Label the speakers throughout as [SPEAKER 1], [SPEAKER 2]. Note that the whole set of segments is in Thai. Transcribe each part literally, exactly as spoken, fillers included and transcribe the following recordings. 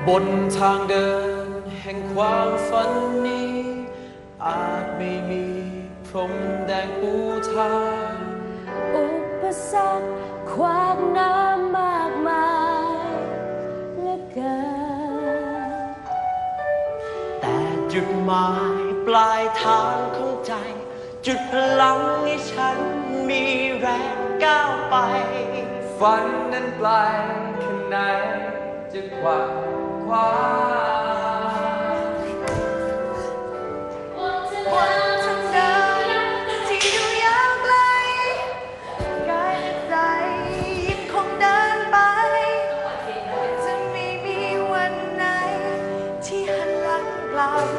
[SPEAKER 1] บนทางเดินแห่งความฝันนี้อาจไม่มีพรมแดงปูทาง
[SPEAKER 2] อุปสรรคขวางน้ำมากมายเหลือเกิน
[SPEAKER 1] แต่จุดหมายปลายทางของใจจุดพลังให้ฉันมีแรงก้าวไปฝันนั้นไกลแค่ไหนจะคว้าคว้า
[SPEAKER 2] บนทางเดินที่ดูยาวไกลกายและใจยังคงเดินไปจะไม่มีวันไหนที่หันหลังกลับ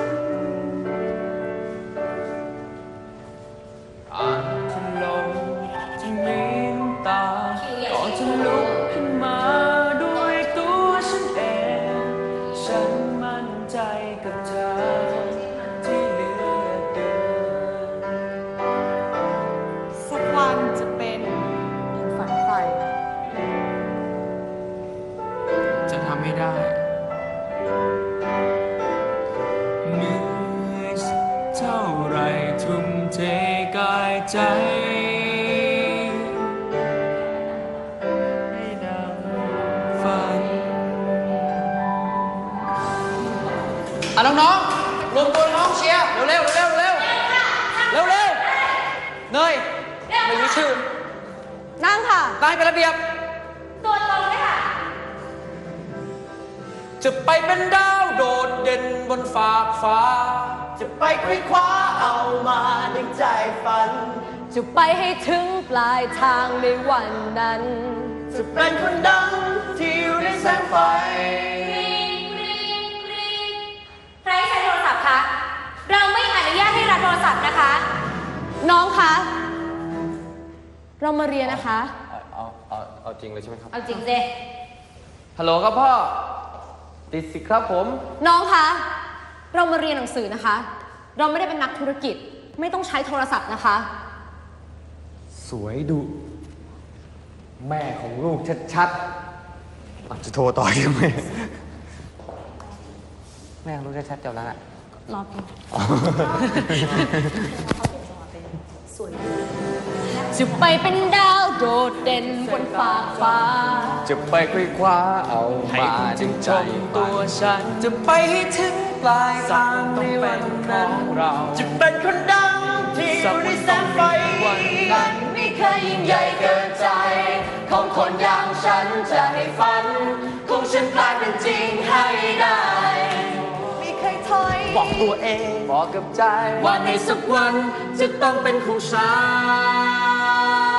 [SPEAKER 1] อาจจะลมจะมีน้ำตาก่อนจะลุกขึ้นมาด้วยตัวฉันเองฉันมั่นใจกับเธอที่เหลือเดิน
[SPEAKER 2] สักวันจะเป็นดังฝันใฝ่
[SPEAKER 1] จะทำให้ได้เหนื่อยเท่าไรทุ่มเทกายใจให้ดังฝันอ่ะน้องๆรวมตัวน้องเชียร์เร็วๆเร็วๆเร็วๆเร็วๆเร็วๆเนยไม่มีชื่อ
[SPEAKER 2] นั่งค่ะ
[SPEAKER 1] นายเป็นระเบียบ
[SPEAKER 2] ตัวตรงเลยค่ะ
[SPEAKER 1] จะไปเป็นดาวโดดเด่นบนฟากฟ้าจะไปคว้าคว้าเอามาดังใจฝัน
[SPEAKER 2] จะไปให้ถึงปลายทางในวันนั้น
[SPEAKER 1] จะเป็นคนดังที่อยู่ในแสงไฟ
[SPEAKER 2] ใครใช้โทรศัพท์คะเราไม่อนุญาตให้รับโทรศัพท์นะคะน้องคะเรามาเรียนนะคะ
[SPEAKER 1] เอาเอาเอาจริงเลยใช่ไหมครับ
[SPEAKER 2] เอาจริงสิ
[SPEAKER 1] ฮัลโหลครับพ่อติดสิครับผม
[SPEAKER 2] น้องคะเรามาเรียนหนังสือนะคะเราไม่ได้เป็นนักธุรกิจไม่ต้องใช้โทรศัพท์นะคะ
[SPEAKER 1] สวยดุแม่ของลูกชัดๆอาจจะโทรต่อยังไงแม่ของลูกชัดๆจบแล้วอะ
[SPEAKER 2] รอพี่จะไปเป็นดาวโดดเด่นบนฟากฟ้า
[SPEAKER 1] จะไปคว้าคว้าเอามาจึงชมตัวฉันจะไปให้ถึงปลายทางในวันนั้นเราจะเป็นคนดังที่อยู่ในแสงไฟวันนั้น
[SPEAKER 2] ไม่เคยยิ่งใหญ่เกินใจของคนอย่างฉันจะให้ฝันของฉันกลายเป็นจริงให้ได้ไม่เคยถอย
[SPEAKER 1] บอกตัวเองบอกกับใจว่าในสักวันจะต้องเป็นของฉัน